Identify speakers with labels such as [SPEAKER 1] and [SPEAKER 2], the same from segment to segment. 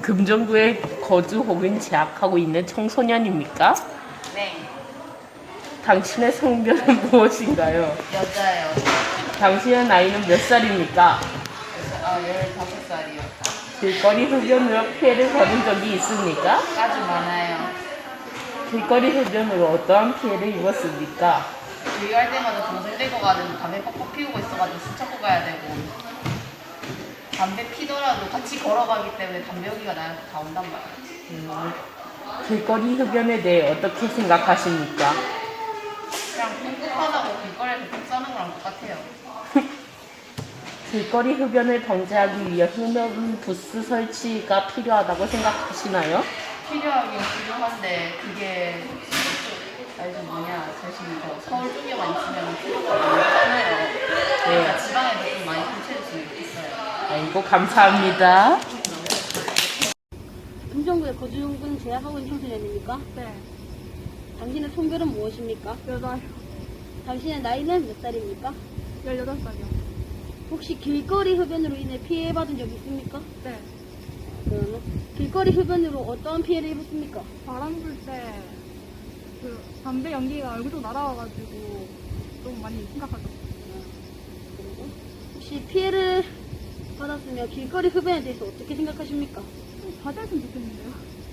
[SPEAKER 1] 금정구에 거주 혹은 재학하고 있는 청소년입니까?
[SPEAKER 2] 네,
[SPEAKER 1] 당신의 성별은 무엇인가요?
[SPEAKER 2] 여자예요.
[SPEAKER 1] 당신의 나이는 몇 살입니까?
[SPEAKER 2] 15살이요.
[SPEAKER 1] 길거리 흡연으로 피해를 받은 적이 있습니까?
[SPEAKER 2] 아주 많아요.
[SPEAKER 1] 길거리 흡연으로 어떠한 피해를 입었습니까?
[SPEAKER 2] 주의할 때마다 동생 떼고 가는 담배 뻑뻑 피우고 있어가지고 수첩고 가야 되고 담배 피더라도 같이 걸어가기 때문에 담배 연기가 나한테 다 온단 말이에요.
[SPEAKER 1] 길거리 흡연에 대해 어떻게 생각하십니까?
[SPEAKER 2] 그냥 꿉꿉하다고 길거리에서 똥 싸는 거랑 똑같아요.
[SPEAKER 1] 길거리 흡연을 방지하기 위해 흡연 부스 설치가 필요하다고 생각하시나요?
[SPEAKER 2] 필요하긴 필요한데 그게 알죠 뭐냐 사실 저 서울 쪽에만 있으면 필요가 없잖아요. 그러니까 지방에도 좀 많이 설치해줬으면 좋겠어요.
[SPEAKER 1] 아이고 감사합니다.
[SPEAKER 3] 금정구에 거주 혹은 재학하고 있는 청소년입니까?
[SPEAKER 4] 네,
[SPEAKER 3] 당신의 성별은 무엇입니까?
[SPEAKER 4] 여자요.
[SPEAKER 3] 당신의 나이는 몇 살입니까?
[SPEAKER 4] 18살이요.
[SPEAKER 3] 혹시 길거리 흡연으로 인해 피해받은 적 있습니까?
[SPEAKER 4] 네,
[SPEAKER 3] 그러면 길거리 흡연으로 어떠한 피해를 입었습니까?
[SPEAKER 4] 바람 불 때 그 담배 연기가 얼굴 쪽 날아와가지고 좀 많이 심각하죠.
[SPEAKER 3] 그리고 혹시 피해를 받았으며 길거리 흡연에 대해서 어떻게 생각하십니까?
[SPEAKER 4] 좀 자제했으면 좋겠는데요.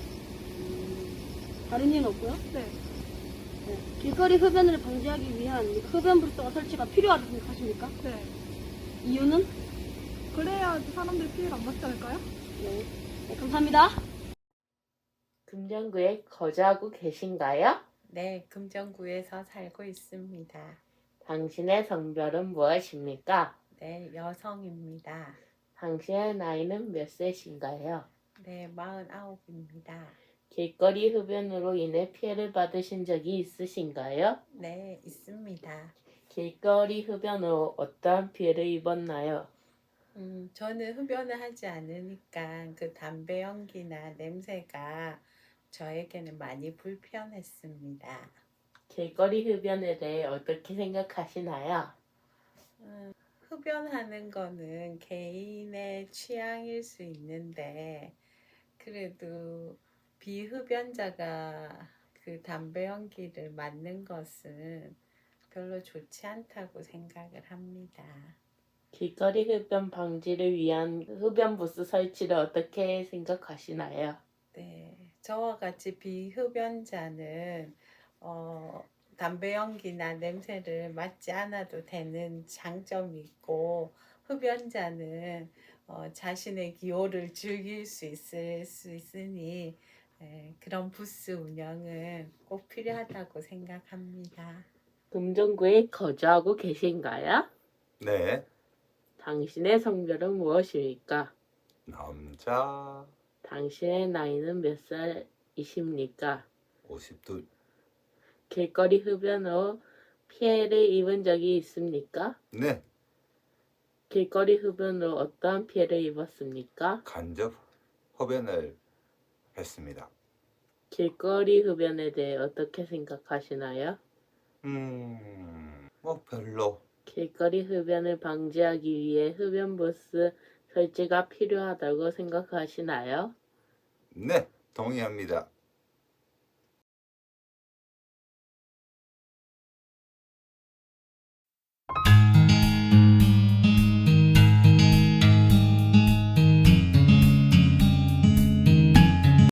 [SPEAKER 3] 다른 이유는 없고요.
[SPEAKER 4] 네,
[SPEAKER 3] 네. 길거리 흡연을 방지하기 위한 흡연 부스가 설치가 필요하다고 생각하십니까?
[SPEAKER 4] 네.
[SPEAKER 3] 이유는?
[SPEAKER 4] 그래야 사람들이 피해를 안 받지 않을까요?
[SPEAKER 3] 네. 네, 감사합니다.
[SPEAKER 1] 금정구에 거주하고 계신가요?
[SPEAKER 5] 네, 금정구에서 살고 있습니다.
[SPEAKER 1] 당신의 성별은 무엇입니까?
[SPEAKER 5] 네, 여성입니다.
[SPEAKER 1] 당신의 나이는 몇 세신가요?
[SPEAKER 5] 네, 49입니다.
[SPEAKER 1] 길거리 흡연으로 인해 피해를 받으신 적이 있으신가요?
[SPEAKER 5] 네, 있습니다.
[SPEAKER 1] 길거리 흡연으로 어떠한 피해를 입었나요?
[SPEAKER 5] 저는 흡연을 하지 않으니까 그 담배 연기나 냄새가 저에게는 많이 불편했습니다.
[SPEAKER 1] 길거리 흡연에 대해 어떻게 생각하시나요?
[SPEAKER 5] 흡연하는 거는 개인의 취향일 수 있는데 그래도 비흡연자가 그 담배 연기를 맡는 것은 별로 좋지 않다고 생각을 합니다.
[SPEAKER 1] 길거리 흡연 방지를 위한 흡연 부스 설치를 어떻게 생각하시나요?
[SPEAKER 5] 네, 저와 같이 비흡연자는 담배 연기나 냄새를 맡지 않아도 되는 장점이 있고 흡연자는 자신의 기호를 즐길 수 있으니 그런 부스 운영은 꼭 필요하다고 생각합니다.
[SPEAKER 1] 금정구에 거주하고 계신가요?
[SPEAKER 6] 네,
[SPEAKER 1] 당신의 성별은 무엇입니까?
[SPEAKER 6] 남자
[SPEAKER 1] 당신의 나이는 몇 살이십니까?
[SPEAKER 6] 52,
[SPEAKER 1] 길거리 흡연으로 피해를 입은 적이 있습니까?
[SPEAKER 6] 네,
[SPEAKER 1] 길거리 흡연으로 어떠한 피해를 입었습니까?
[SPEAKER 6] 간접 흡연을 했습니다.
[SPEAKER 1] 길거리 흡연에 대해 어떻게 생각하시나요?
[SPEAKER 6] 뭐 별로.
[SPEAKER 1] 길거리 흡연을 방지하기 위해 흡연 부스 설치가 필요하다고 생각하시나요?
[SPEAKER 6] 네, 동의합니다.